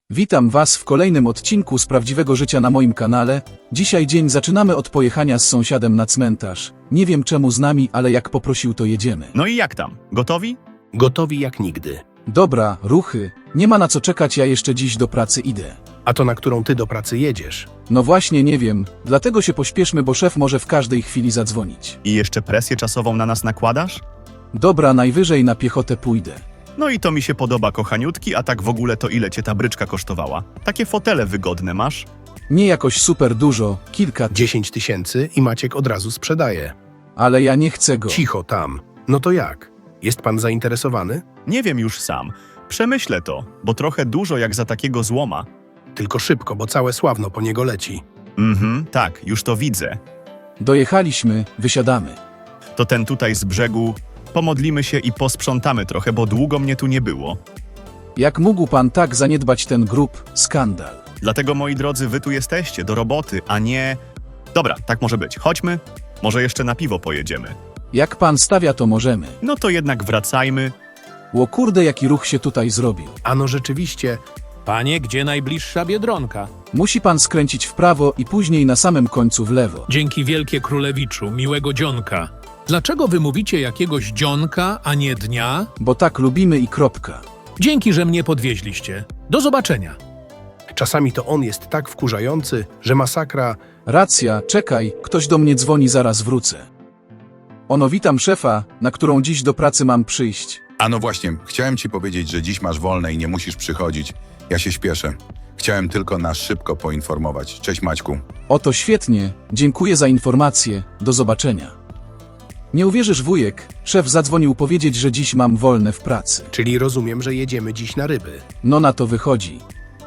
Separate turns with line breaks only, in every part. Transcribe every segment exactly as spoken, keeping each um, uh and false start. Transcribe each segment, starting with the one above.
Witam Was w kolejnym odcinku z prawdziwego życia na moim kanale. Dzisiaj dzień zaczynamy od pojechania z sąsiadem na cmentarz. Nie wiem czemu z nami, ale jak poprosił, to jedziemy.
No i jak tam? Gotowi?
Gotowi jak nigdy.
Dobra, ruchy. Nie ma na co czekać, ja jeszcze dziś do pracy idę.
A to na którą ty do pracy jedziesz?
No właśnie nie wiem, dlatego się pośpieszmy, bo szef może w każdej chwili zadzwonić.
I jeszcze presję czasową na nas nakładasz?
Dobra, najwyżej na piechotę pójdę.
No i to mi się podoba, kochaniutki, a tak w ogóle to ile cię ta bryczka kosztowała? Takie fotele wygodne masz?
Nie jakoś super dużo, kilka,
Dziesięć tysięcy i Maciek od razu sprzedaje.
ale ja nie chcę go.
Cicho tam. No to jak? Jest pan zainteresowany?
Nie wiem już sam. Przemyślę to, bo trochę dużo jak za takiego złoma.
Tylko szybko, bo całe Sławno po niego leci.
Mhm, tak, już to widzę.
Dojechaliśmy, wysiadamy.
To ten tutaj z brzegu. Pomodlimy się i posprzątamy trochę, bo długo mnie tu nie było.
Jak mógł pan tak zaniedbać ten grób? Skandal.
Dlatego, moi drodzy, wy tu jesteście, do roboty, a nie... Dobra, tak może być. Chodźmy. Może jeszcze na piwo pojedziemy.
Jak pan stawia, to możemy.
No to jednak wracajmy.
Ło kurde, jaki ruch się tutaj zrobił.
Ano rzeczywiście,
Panie, gdzie najbliższa Biedronka?
Musi pan skręcić w prawo i później na samym końcu w lewo.
Dzięki wielkie królewiczu, miłego dzionka. Dlaczego wy mówicie jakiegoś dzionka, a nie dnia?
Bo tak lubimy i kropka.
Dzięki, że mnie podwieźliście. Do zobaczenia.
czasami to on jest tak wkurzający, że masakra.
Racja, czekaj, ktoś do mnie dzwoni, zaraz wrócę. Ono, witam szefa, na którą dziś do pracy mam przyjść.
A no właśnie, chciałem ci powiedzieć, że dziś masz wolne i nie musisz przychodzić. Ja się śpieszę. Chciałem tylko nas szybko poinformować. Cześć Maćku.
Oto świetnie, dziękuję za informację, do zobaczenia. Nie uwierzysz, wujek, szef zadzwonił powiedzieć, że dziś mam wolne w pracy.
Czyli rozumiem, że jedziemy dziś na ryby.
No na to wychodzi.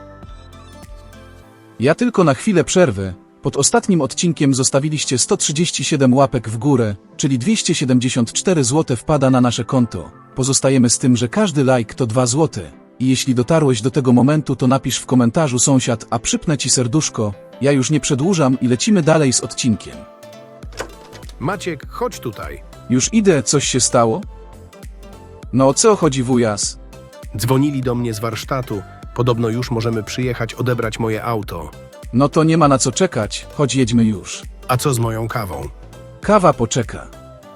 Ja tylko na chwilę przerwę. Pod ostatnim odcinkiem zostawiliście sto trzydzieści siedem łapek w górę, czyli dwieście siedemdziesiąt cztery złote wpada na nasze konto. Pozostajemy z tym, że każdy like to dwa złote. I jeśli dotarłeś do tego momentu, to napisz w komentarzu sąsiad, a przypnę ci serduszko. Ja już nie przedłużam i lecimy dalej z odcinkiem.
Maciek, chodź tutaj.
Już idę, coś się stało? No o co chodzi, wujas?
Dzwonili do mnie z warsztatu. Podobno już możemy przyjechać odebrać moje auto.
No to nie ma na co czekać, chodź jedźmy już.
A co z moją kawą?
Kawa poczeka.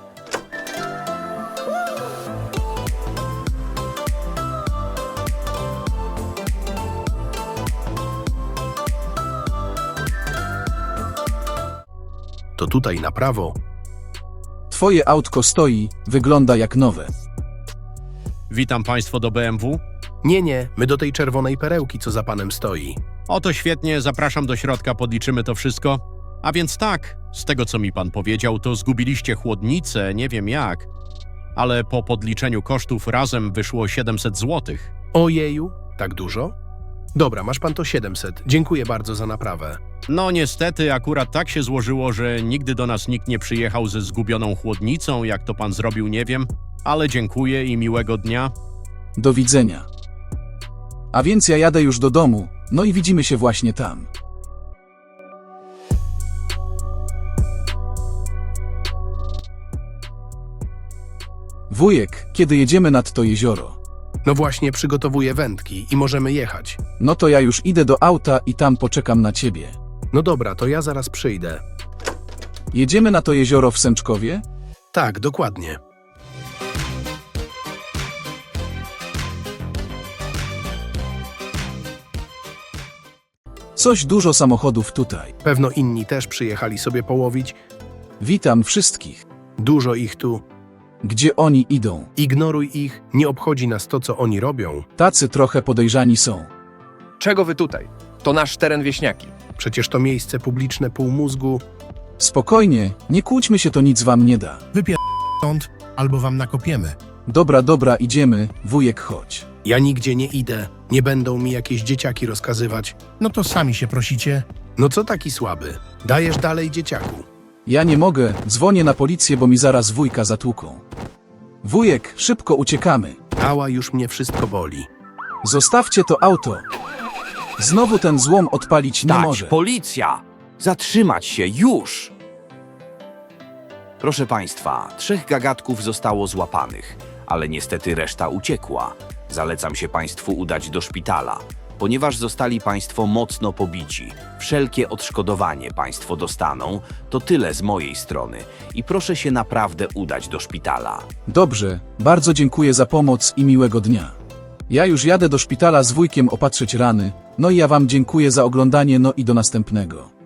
To tutaj na prawo.
Twoje autko stoi, wygląda jak nowe.
Witam Państwo do B M W.
Nie, nie, my do tej czerwonej perełki, co za panem stoi.
Oto świetnie, zapraszam do środka, podliczymy to wszystko. A więc tak, z tego co mi Pan powiedział, to zgubiliście chłodnicę, nie wiem jak, ale po podliczeniu kosztów razem wyszło siedemset złotych.
Ojeju, tak dużo? Dobra, masz pan to siedemset. Dziękuję bardzo za naprawę.
No niestety akurat tak się złożyło, że nigdy do nas nikt nie przyjechał ze zgubioną chłodnicą, jak to Pan zrobił, nie wiem, ale dziękuję i miłego dnia.
Do widzenia. A więc ja jadę już do domu, no i widzimy się właśnie tam. Wujek, kiedy jedziemy nad to jezioro?
No właśnie, przygotowuję wędki i możemy jechać.
No to ja już idę do auta i tam poczekam na ciebie.
No dobra, to ja zaraz przyjdę.
Jedziemy na to jezioro w Sęczkowie?
Tak, dokładnie.
Coś dużo samochodów tutaj.
Pewno inni też przyjechali sobie połowić.
Witam wszystkich.
Dużo ich tu.
Gdzie oni idą?
Ignoruj ich, nie obchodzi nas to, co oni robią.
Tacy trochę podejrzani są.
Czego wy tutaj? To nasz teren wieśniaki.
Przecież to miejsce publiczne pół mózgu.
Spokojnie, nie kłóćmy się, to nic wam nie da.
Stąd, albo wam nakopiemy.
Dobra, dobra, idziemy, wujek, chodź.
Ja nigdzie nie idę. Nie będą mi jakieś dzieciaki rozkazywać.
No to sami się prosicie.
No co taki słaby? Dajesz dalej dzieciaku.
Ja nie mogę, dzwonię na policję, bo mi zaraz wujka zatłuką. Wujek, szybko uciekamy.
Ała, już mnie wszystko boli.
Zostawcie to auto. Znowu ten złom odpalić nie
Stać,
może.
policja! Zatrzymać się, już! Proszę państwa, trzech gagatków zostało złapanych, ale niestety reszta uciekła. Zalecam się państwu udać do szpitala. Ponieważ zostali Państwo mocno pobici, wszelkie odszkodowanie Państwo dostaną, to tyle z mojej strony i proszę się naprawdę udać do szpitala.
Dobrze, bardzo dziękuję za pomoc i miłego dnia. Ja już jadę do szpitala z wujkiem opatrzyć rany, no i ja wam dziękuję za oglądanie, no i do następnego.